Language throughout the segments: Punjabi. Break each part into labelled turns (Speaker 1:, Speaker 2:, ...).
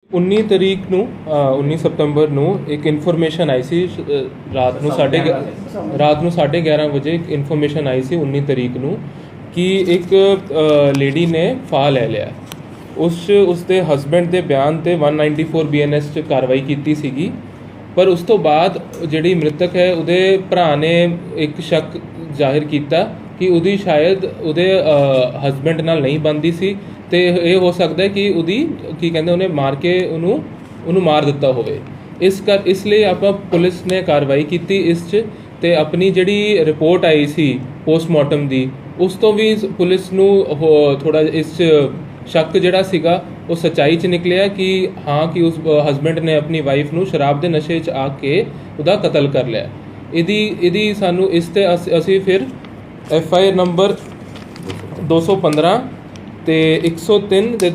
Speaker 1: 19 ਤਰੀਕ ਨੂੰ 19 ਸਤੰਬਰ ਨੂੰ ਇੱਕ ਇਨਫੋਰਮੇਸ਼ਨ ਆਈ ਸੀ ਰਾਤ ਨੂੰ 11:30 ਵਜੇ ਇੱਕ ਇਨਫੋਰਮੇਸ਼ਨ ਆਈ ਸੀ 19 ਤਰੀਕ ਨੂੰ ਕਿ ਇੱਕ ਲੇਡੀ ਨੇ ਫਾਹ ਲੈ ਲਿਆ। ਉਸਦੇ ਹਸਬੈਂਡ ਦੇ ਬਿਆਨ ਤੇ 194 BNS 'ਚ ਕਾਰਵਾਈ ਕੀਤੀ ਸੀਗੀ, ਪਰ ਉਸ ਤੋਂ ਬਾਅਦ ਜਿਹੜੀ ਮ੍ਰਿਤਕ ਹੈ ਉਹਦੇ ਭਰਾ ਨੇ ਇੱਕ ਸ਼ੱਕ ਜ਼ਾਹਿਰ ਕੀਤਾ ਕਿ ਉਹਦੀ ਸ਼ਾਇਦ ਉਹਦੇ ਹਸਬੈਂਡ ਨਾਲ ਨਹੀਂ ਬਣਦੀ ਸੀ ਤੇ ਇਹ ਹੋ ਸਕਦਾ ਹੈ ਕਿ ਉਹਦੀ ਕੀ ਕਹਿੰਦੇ ਉਹਨੇ ਮਾਰ ਕੇ ਉਹਨੂੰ ਮਾਰ ਦਿੱਤਾ ਹੋਵੇ। ਇਸ ਲਈ ਆਪਾਂ ਪੁਲਿਸ ਨੇ ਕਾਰਵਾਈ ਕੀਤੀ ਇਸ 'ਚ ਤੇ ਆਪਣੀ ਜਿਹੜੀ ਰਿਪੋਰਟ ਆਈ ਸੀ ਪੋਸਟਮਾਰਟਮ ਦੀ ਉਸ ਤੋਂ ਵੀ ਪੁਲਿਸ ਨੂੰ ਥੋੜਾ ਇਸ 'ਚ ਸ਼ੱਕ ਜਿਹੜਾ ਸੀਗਾ ਉਹ ਸੱਚਾਈ 'ਚ ਨਿਕਲਿਆ ਕਿ ਹਾਂ ਕਿ ਉਸ ਹਸਬੈਂਡ ਨੇ ਆਪਣੀ ਵਾਈਫ ਨੂੰ ਸ਼ਰਾਬ ਦੇ ਨਸ਼ੇ 'ਚ ਆ ਕੇ ਉਹਦਾ ਕਤਲ ਕਰ ਲਿਆ। ਇਹਦੀ ਸਾਨੂੰ ਇਸ ਤੇ ਅਸੀਂ ਫਿਰ FIR ਨੰਬਰ 215 ਤੇ 103 ਤੇ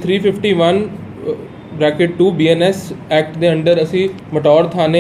Speaker 1: 351(2) BNS ਐਕਟ ਦੇ ਅੰਡਰ ਅਸੀਂ ਮਟੌਰ ਥਾਣੇ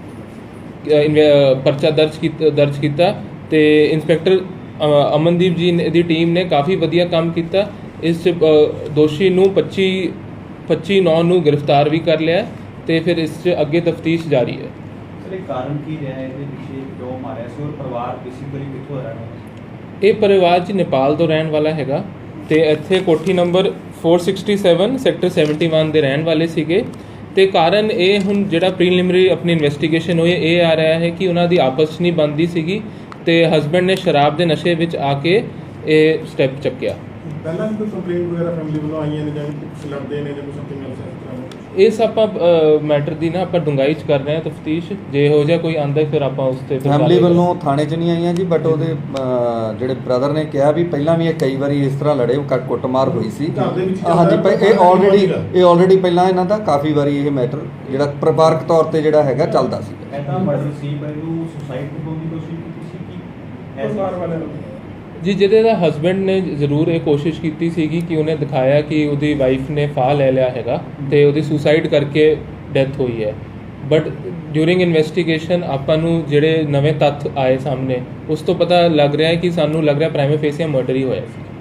Speaker 1: ਪਰਚਾ ਦਰਜ ਕੀਤਾ ਤੇ ਇੰਸਪੈਕਟਰ ਅਮਨਦੀਪ ਜੀ ਦੀ ਟੀਮ ਨੇ ਕਾਫੀ ਵਧੀਆ ਕੰਮ ਕੀਤਾ। ਇਸ ਦੋਸ਼ੀ ਨੂੰ 25/9 ਨੂੰ ਗ੍ਰਿਫਤਾਰ ਵੀ ਕਰ ਲਿਆ ਤੇ ਫਿਰ ਇਸ 'ਚ ਅੱਗੇ ਤਫਤੀਸ਼ ਜਾਰੀ ਹੈ।
Speaker 2: ਸਰ ਇਹ ਕਾਰਨ ਕੀ ਰਿਹਾ ਇਹਦੇ ਪਿੱਛੇ ਕਿਉਂ ਮਾਰਿਆ ਸੀ ਔਰ ਪਰਿਵਾਰ ਬੇਸਿਕਲੀ ਕਿੱਥੋਂ ਰਹਿਣ ਵਾਲਾ ਸੀ?
Speaker 1: ਇਹ ਪਰਿਵਾਰ ਜੀ ਨੇਪਾਲ ਤੋਂ ਰਹਿਣ ਵਾਲਾ ਹੈਗਾ ਤੇ ਇੱਥੇ ਕੋਠੀ ਨੰਬਰ 467 ਸੈਕਟਰ 71 ਦੇ ਰਹਿਣ ਵਾਲੇ ਸੀਗੇ ਤੇ ਕਾਰਨ ਇਹ ਹੁਣ ਜਿਹੜਾ ਪ੍ਰੀਲਿਮਿਨਰੀ ਆਪਣੀ ਇਨਵੈਸਟੀਗੇਸ਼ਨ ਹੋਈ ਇਹ ਆ ਰਿਹਾ ਹੈ ਕਿ ਉਹਨਾਂ ਦੀ ਆਪਸ 'ਚ ਨਹੀਂ ਬਣਦੀ ਸੀਗੀ ਤੇ ਹਸਬੈਂਡ ਨੇ ਸ਼ਰਾਬ ਦੇ ਨਸ਼ੇ ਵਿੱਚ ਆ ਕੇ ਇਹ ਸਟੈਪ ਚੱਕਿਆ।
Speaker 3: ਪਹਿਲਾਂ ਵੀ ਕੋਈ ਕੰਪਲੇਂਟ ਵਗੈਰਾ ਫੈਮਿਲੀ ਵੱਲੋਂ ਆਈਆਂ ਨੇ ਜਾਂ ਕੁਝ ਲੜਦੇ ਨੇ ਜਾਂ ਕੁਝ ਸਮਥਿੰਗ ਐਲਸ ਇਸ ਤਰ੍ਹਾਂ?
Speaker 1: ਇਸ ਆਪਾਂ ਮੈਟਰ ਦੀ ਨਾ ਆਪਾਂ ਡੂੰਘਾਈ 'ਚ ਕਰ ਰਹੇ ਹਾਂ ਤਫਤੀਸ਼। ਜੇ ਹੋ ਜਾ ਕੋਈ ਆਂਦਾ ਫਿਰ ਆਪਾਂ ਉਸ ਤੇ
Speaker 4: ਫੈਮਿਲੀ ਵੱਲੋਂ ਥਾਣੇ 'ਚ ਨਹੀਂ ਆਈਆਂ ਜੀ, ਬਟ ਉਹਦੇ ਜਿਹੜੇ ਬ੍ਰਦਰ ਨੇ ਕਿਹਾ ਵੀ ਪਹਿਲਾਂ ਵੀ ਇਹ ਕਈ ਵਾਰੀ ਇਸ ਤਰ੍ਹਾਂ ਲੜੇ ਕੁੱਟਮਾਰ ਹੋਈ ਸੀ। ਹਾਂਜੀ, ਇਹ ਆਲਰੇਡੀ ਪਹਿਲਾਂ ਇਹਨਾਂ ਦਾ ਕਾਫੀ ਵਾਰੀ ਇਹ ਮੈਟਰ ਜਿਹੜਾ ਪਰਿਵਾਰਕ ਤੌਰ ਤੇ ਜਿਹੜਾ ਹੈਗਾ ਚੱਲਦਾ ਸੀ।
Speaker 2: ਐਦਾਂ ਮਰਡਰ ਸੀ ਪਰ ਇਹਨੂੰ ਸੁਸਾਈਡ ਕਰਨ ਦੀ ਕੋਸ਼ਿਸ਼ ਕੀਤੀ ਸੀ ਕਿ ਪਰਿਵਾਰ ਵਾਲਿਆਂ ਨੇ
Speaker 1: ਜੀ ਜਿਹਦੇ ਦਾ ਹਸਬੈਂਡ ਨੇ ਜ਼ਰੂਰ ਇਹ ਕੋਸ਼ਿਸ਼ ਕੀਤੀ ਸੀਗੀ ਕਿ ਉਹਨੇ ਦਿਖਾਇਆ ਕਿ ਉਹਦੀ ਵਾਈਫ ਨੇ ਫਾਹ ਲੈ ਲਿਆ ਹੈਗਾ ਤੇ ਉਹਦੀ ਸੁਸਾਈਡ ਕਰਕੇ ਡੈਥ ਹੋਈ ਹੈ। ਬਟ ਡਿਊਰਿੰਗ ਇਨਵੈਸਟੀਗੇਸ਼ਨ ਆਪਾਂ ਨੂੰ ਜਿਹੜੇ ਨਵੇਂ ਤੱਥ ਆਏ ਸਾਹਮਣੇ ਉਸ ਤੋਂ ਪਤਾ ਲੱਗ ਰਿਹਾ ਹੈ ਕਿ ਸਾਨੂੰ ਲੱਗ ਰਿਹਾ ਪ੍ਰਾਈਮੇ ਫੇਸੀਆ ਮਰਡਰ ਹੀ ਹੋਇਆ ਸੀ।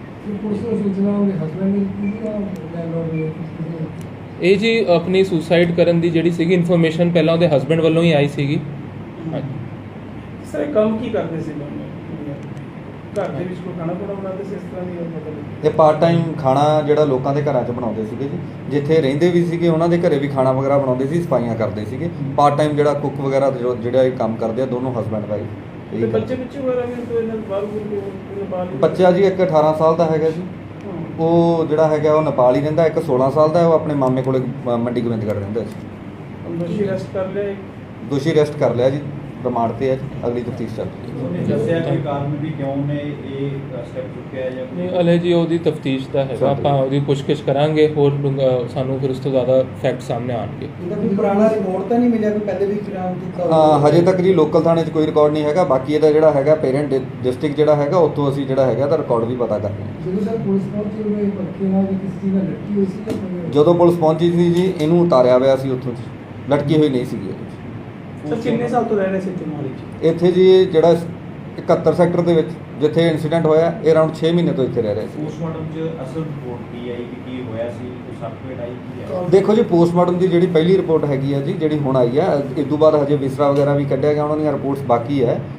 Speaker 1: ਇਹ ਜੀ ਆਪਣੀ ਸੁਸਾਈਡ ਕਰਨ ਦੀ ਜਿਹੜੀ ਸੀਗੀ ਇਨਫੋਰਮੇਸ਼ਨ ਪਹਿਲਾਂ ਉਹਦੇ ਹਸਬੈਂਡ ਵੱਲੋਂ ਹੀ ਆਈ ਸੀਗੀ।
Speaker 3: ਸਰ ਕੰਮ ਕੀ ਕਰਦੇ ਸੀ ਘਰ ਦੇ ਵਿੱਚ ਕੋਈ ਖਾਣਾ ਬਣਾਉਂਦੇ ਸੀ ਇਸ ਤਰ੍ਹਾਂ ਦੀ ਮਤਲਬ?
Speaker 4: ਇਹ ਪਾਰਟ ਟਾਈਮ ਖਾਣਾ ਜਿਹੜਾ ਲੋਕਾਂ ਦੇ ਘਰਾਂ 'ਚ ਬਣਾਉਂਦੇ ਸੀਗੇ ਜੀ, ਜਿੱਥੇ ਰਹਿੰਦੇ ਵੀ ਸੀਗੇ ਉਹਨਾਂ ਦੇ ਘਰੇ ਵੀ ਖਾਣਾ ਵਗੈਰਾ ਬਣਾਉਂਦੇ ਸੀ, ਸਫਾਈਆਂ ਕਰਦੇ ਸੀਗੇ। ਪਾਰਟ ਟਾਈਮ ਜਿਹੜਾ ਕੁੱਕ ਵਗੈਰਾ ਜਿਹੜਾ ਇਹ ਕੰਮ ਕਰਦੇ ਆ ਦੋਨੋਂ ਹਸਬੈਂਡ ਵਾਈਫ।
Speaker 3: ਬੱਚੇ ਵਗੈਰਾ ਵੀ ਤੋਂ ਇਹਨਾਂ ਬਾਹਰ
Speaker 4: ਬੱਚਾ ਜੀ ਇੱਕ 18 ਸਾਲ ਦਾ ਹੈਗਾ ਜੀ, ਉਹ ਜਿਹੜਾ ਹੈਗਾ ਉਹ ਨੇਪਾਲ ਹੀ ਰਹਿੰਦਾ। ਇੱਕ 16 ਸਾਲ ਦਾ ਉਹ ਆਪਣੇ ਮਾਮੇ ਕੋਲੇ ਮੰਡੀ ਗੋਬਿੰਦਗੜ੍ਹ ਰਹਿੰਦਾ ਸੀ। ਦੋਸ਼ੀ ਅਰੈਸਟ ਕਰ ਲਿਆ ਜੀ, ਰਿਮਾਂਡ ਤੇ ਹੈ ਜੀ, ਅਗਲੀ ਤਫਤੀਸ਼ ਚੱਲ ਰਹੀ ਹੈ।
Speaker 2: ਦੱਸਿਆ ਕਿ ਕਾਰਨ ਵੀ ਕਿਉਂ ਨੇ ਇਹ ਸਟੈਪ ਚੁੱਕਿਆ ਜਾਂ
Speaker 1: ਨਹੀਂ ਹਲੇ ਜੀ ਉਹਦੀ ਤਫਤੀਸ਼ ਦਾ ਹੈਗਾ, ਆਪਾਂ ਉਹਦੀ ਪੁੱਛਗਿੱਛ ਕਰਾਂਗੇ ਹੋਰ ਸਾਨੂੰ ਫਿਰ ਉਸ ਤੋਂ ਜ਼ਿਆਦਾ ਫੈਕਟ ਸਾਹਮਣੇ ਆਉਣਗੇ।
Speaker 5: ਇਹਦਾ ਕੋਈ ਪੁਰਾਣਾ ਰਿਕਾਰਡ ਤਾਂ ਨਹੀਂ ਮਿਲਿਆ ਕੋਈ ਪਹਿਲੇ ਵੀ ਕ੍ਰਾਈਮ ਕੀਤਾ?
Speaker 4: ਹਜੇ ਤੱਕ ਜੀ ਲੋਕਲ ਥਾਣੇ 'ਚ ਕੋਈ ਰਿਕਾਰਡ ਨਹੀਂ ਹੈਗਾ। ਬਾਕੀ ਇਹਦਾ ਜਿਹੜਾ ਹੈਗਾ ਪੇਰੈਂਟ ਡਿਸਟ੍ਰਿਕਟ ਜਿਹੜਾ ਹੈਗਾ ਉੱਥੋਂ ਅਸੀਂ ਜਿਹੜਾ ਹੈਗਾ ਇਹਦਾ ਰਿਕਾਰਡ ਵੀ ਪਤਾ ਕਰ ਰਹੇ ਹਾਂ।
Speaker 5: ਜਦੋਂ ਸਰ ਪੁਲਿਸ ਪਹੁੰਚੀ ਉਹਨੇ ਪੱਕੇ ਨਾਲ ਕਿਸੇ ਚੀਜ਼ ਨਾਲ ਲਟਕੀ ਹੋਈ ਸੀ ਜਾਂ
Speaker 4: ਜਦੋਂ ਪੁਲਿਸ ਪਹੁੰਚੀ ਸੀ ਜੀ ਇਹਨੂੰ ਉਤਾਰਿਆ ਹੋਇਆ ਸੀ ਉੱਥੋਂ ਜੀ, ਲਟਕੀ ਹੋਈ ਨਹੀਂ ਸੀਗੀ।
Speaker 3: ਸਰ ਕਿੰਨੇ ਸਾਲ ਤੋਂ ਰਹਿ ਰਹੇ ਸੀ ਇੱਥੇ ਮੋਹਾਲੀ 'ਚ?
Speaker 4: ਇੱਥੇ ਜੀ ਜਿਹੜਾ 71 ਸੈਕਟਰ ਦੇ ਵਿੱਚ ਜਿੱਥੇ ਇਨਸੀਡੈਂਟ ਹੋਇਆ ਇਹ ਅਰਾਊਂਡ 6 ਮਹੀਨੇ ਤੋਂ ਇੱਥੇ ਰਹਿ ਰਹੇ ਸੀ।
Speaker 2: ਪੋਸਟਮਾਰਟਮ 'ਚ ਅਸਲ ਰਿਪੋਰਟ ਕੀ ਆਈ ਕਿ ਕੀ ਹੋਇਆ ਸੀ, ਕੋਈ ਸਰਟੀਫਿਕੇਟ ਆਈ ਕੀ ਹੈ?
Speaker 4: ਦੇਖੋ ਜੀ ਪੋਸਟਮਾਰਟਮ ਦੀ ਜਿਹੜੀ ਪਹਿਲੀ ਰਿਪੋਰਟ ਹੈਗੀ ਹੈ ਜੀ ਜਿਹੜੀ ਹੁਣ ਆਈ ਹੈ, ਇਸ ਤੋਂ ਬਾਅਦ ਹਜੇ ਵਿਸਰਾ ਵਗੈਰਾ ਵੀ ਕੱਢਿਆ ਗਿਆ, ਉਹਨਾਂ ਦੀਆਂ ਰਿਪੋਰਟਸ ਬਾਕੀ ਹੈ।